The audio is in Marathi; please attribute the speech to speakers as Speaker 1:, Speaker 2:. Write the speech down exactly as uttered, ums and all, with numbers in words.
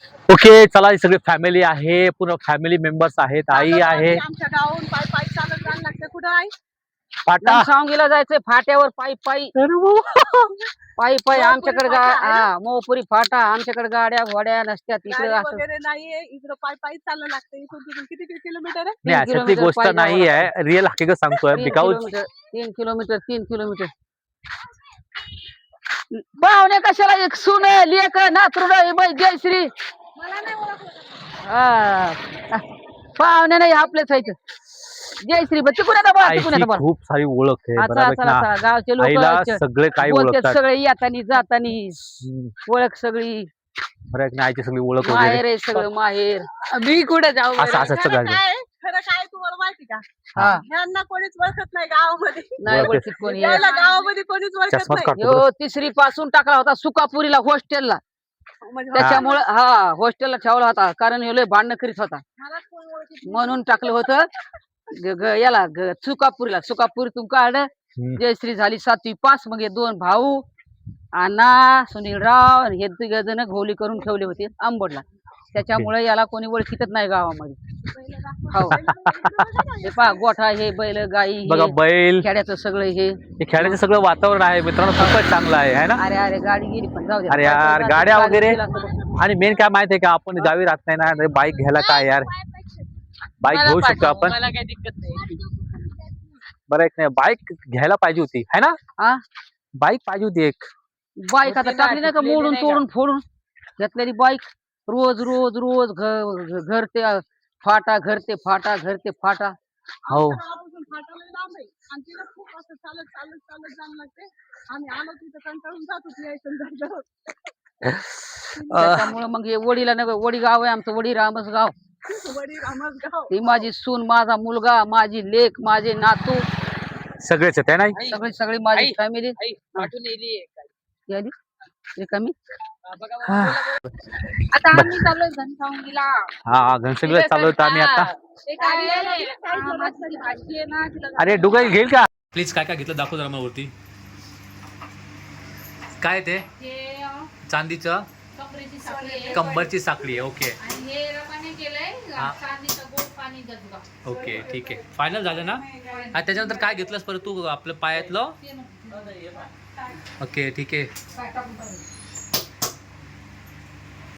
Speaker 1: ओके चला ही सगळी फॅमिली आहे, पूर्ण फॅमिली मेंबर्स आहेत, आई आहे.
Speaker 2: आमच्या गावाहून पाय पाय चालत जायला लागतं. कुठं आहे
Speaker 1: फाटा
Speaker 3: सांगीला जायचंय फाट्यावर पायी पायी पायी पायी आमच्याकडे मोहपुरी फाटा आमच्याकडे गाड्या घोड्या नसत्या तिकडे
Speaker 2: गाडी
Speaker 3: असं
Speaker 2: वगैरे नाहीये इकडं पाय पायी चाललं लागतं. इथून तिथून किती किती किलोमीटर आहे?
Speaker 1: नाही अशातली
Speaker 3: किलोमीटर
Speaker 1: गोष्ट
Speaker 3: पायी
Speaker 1: नाही
Speaker 3: जावं
Speaker 1: आहे, रिअल हकीकत सांगतोय
Speaker 3: तीन
Speaker 1: बिकॉज
Speaker 3: किलोमीटर तीन किलोमीटर तीन किलोमीटर पाहुणे कशाला एक सुन लेख नातरुड जयश्री
Speaker 2: मला नाही ओळखलं.
Speaker 3: हा. पाहुणे नाही आपलेच व्हायचं जयश्री बा तिकून येता बा तिकून येता बा
Speaker 1: खूप सारी ओळख आहे
Speaker 3: चला
Speaker 1: बरोबर
Speaker 3: चला
Speaker 1: ना.
Speaker 3: चला गावचे
Speaker 1: आईला
Speaker 3: लोक
Speaker 1: सगळे काही
Speaker 3: बोलतात
Speaker 1: ओळखतात.
Speaker 3: सगळे येतानी जातानी
Speaker 1: हम्म.
Speaker 3: ओळख सगळी
Speaker 1: बरं आहे की नाही, आईची सगळी ओळख
Speaker 3: माहेर
Speaker 1: वगैरे
Speaker 3: आहे सगळं माहेर मी कुठे जाऊ
Speaker 1: असं असं
Speaker 2: खरं
Speaker 1: सगळं
Speaker 2: काय खरं काय तुम्हाला माहिती का?
Speaker 3: हा
Speaker 2: ह्यांना कोणीच ओळखत नाही गावामध्ये.
Speaker 3: नाही
Speaker 1: ओळख.
Speaker 3: ओळखीत कोणी
Speaker 2: याला गावामध्ये कोणीच ओळखत
Speaker 1: चष्माच
Speaker 2: नाही.
Speaker 1: काढतो
Speaker 3: यो तिसरी पासून टाकला होता सुकापुरीला हॉस्टेलला
Speaker 2: म्हणजे
Speaker 3: त्याच्यामुळे हा हॉस्टेलला ठेवला होता कारण ह्यो लय भांडणं करीत होता
Speaker 2: मला कोण ओळखत नाही.
Speaker 3: म्हणून टाकलं होतं ग- ग- याला ग- सुकापुरीला सुकापुरीतून काढलं.
Speaker 1: हम्म.
Speaker 3: जयश्री झाली सातवी पास मग हे दोन भाऊ अण्णा सुनीलराव आणि हे तिघ जण घोली करून ठेवले होते आंबोडला त्याच्यामुळे याला कोणी ओळखीतच नाही गावामध्ये हो हे पहा गोठा हे बैल गाई
Speaker 1: बघा
Speaker 3: हे
Speaker 1: बैल
Speaker 3: खेड्याचं सगळं हे
Speaker 1: हे खेळायचं सगळं वातावरण आहे मित्रांनो, खूपच चांगलं आहे है ना.
Speaker 3: अरे अरे गाडी गेली पण जाऊ दे
Speaker 1: अरे यार, गाड्या वगैरे. आणि मेन काय माहितीये का, आपण गावी राहत नाही ना, बाईक घ्यायला काय यार, बाईक घेऊ शकतो आपण.
Speaker 3: मला काही दिक्कत नाही
Speaker 1: बरं एक नाही बाईक घ्यायला पाहिजे होती है ना,
Speaker 3: हा
Speaker 1: बाईक पाहिजे होती एक.
Speaker 3: बाईक आता टाकली नाही का मोडून तोडून फोडून घेतलेली बाईक रोज रोज रोज घ- घर ते फाटा घर ते फाटा घर ते फाटा
Speaker 1: हो
Speaker 2: गावापासून फाटाला लांब आहे आणि तिला खूप असं चालत चालत चालत जाणं लागते. आम्ही आलो तिथं कंटाळून जातो ती यायचं जायचं.
Speaker 3: त्याच्यामुळे मग हे वडीला नव्हे वडी गाव आहे आमचं वडी रामच गाव
Speaker 2: वडील रामच गाव.
Speaker 3: ही माझी सून माझा मुलगा माझी लेक माझे नातू
Speaker 1: सगळेच आहेत है ना.
Speaker 3: सगळी सगळी माझी फॅमिली कमी
Speaker 4: आता आम्ही चाललोय घनसावंगीला.
Speaker 1: हा घनसंगीला चालू होतं आम्ही आता.
Speaker 4: ते काय आहे, हा, माझी भाची आहे ना तिला
Speaker 1: अरे डुगाई घेईल का प्लीज, काय काय घेतलं दाखव जरा मला वरती. काय ते
Speaker 4: हे अं,
Speaker 1: चांदीचं
Speaker 4: कपड्याची साखळी आहे.
Speaker 1: कंबरची साखळी आहे. ओके
Speaker 4: आणि हे रमाने केलंय
Speaker 1: हा.
Speaker 4: चांदीचं गोड पाणी गजगा.
Speaker 1: ओके ठीक आहे, फायनल झालं ना. आणि त्याच्यानंतर काय घेतलंस परत तू आपलं पायातलं.
Speaker 4: ते नको.
Speaker 1: ओके ठीक आहे.
Speaker 4: काय टाकून पाहिजे.